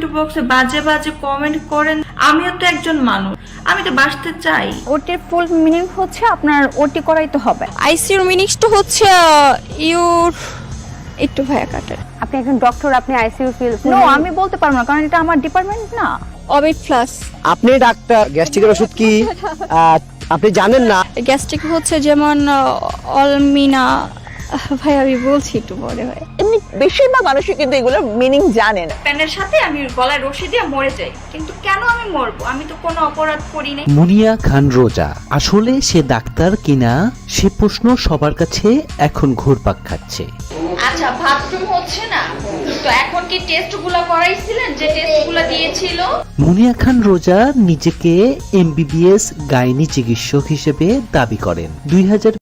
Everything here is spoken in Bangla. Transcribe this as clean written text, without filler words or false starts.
বক্সে বাজে বাজে কমেন্ট করেন। আমিও তো একজন মানুষ, আমি তো বাঁচতে চাই। ওটির ফুল মিনিং হচ্ছে আপনার ওটি করাই তো হবে। আইসিইউর মিনিংসটা হচ্ছে ইউর একটু ভায়া কাটার আপনি একজন ডক্টর, আপনি আইসিইউ ফিল নো, আমি বলতে পারবো না কারণ এটা আমার ডিপার্টমেন্ট না। অবিট প্লাস আপনি ডাক্তার, গ্যাস্ট্রিকের ওষুধ কি আপনি জানেন না? গ্যাস্ট্রিক হচ্ছে যেমন অলমিনা। ভাই আমি বলছি একটু পরে ভাই। এমনি বেশিরভাগ মানুষই কিন্তু এগুলোর মিনিং জানে না। প্যানের সাথে আমি গলায় রশি দিয়ে মরে যাই, কিন্তু কেন আমি মরবো? আমি তো কোনো অপরাধ করি নাই। মুনিয়া খান রোজা আসলে সে ডাক্তার কিনা সে প্রশ্ন সবার কাছে এখন ঘুরপাক খাচ্ছে। আচ্ছা, বাথরুম হচ্ছে না তো এখন কি টেস্টগুলো করাইছিলেন যে টেস্টগুলো দিয়েছিল? মুনিয়া খান রোজা নিজেকে এমবিবিএস গাইনি চিকিৎসক হিসেবে দাবি করেন।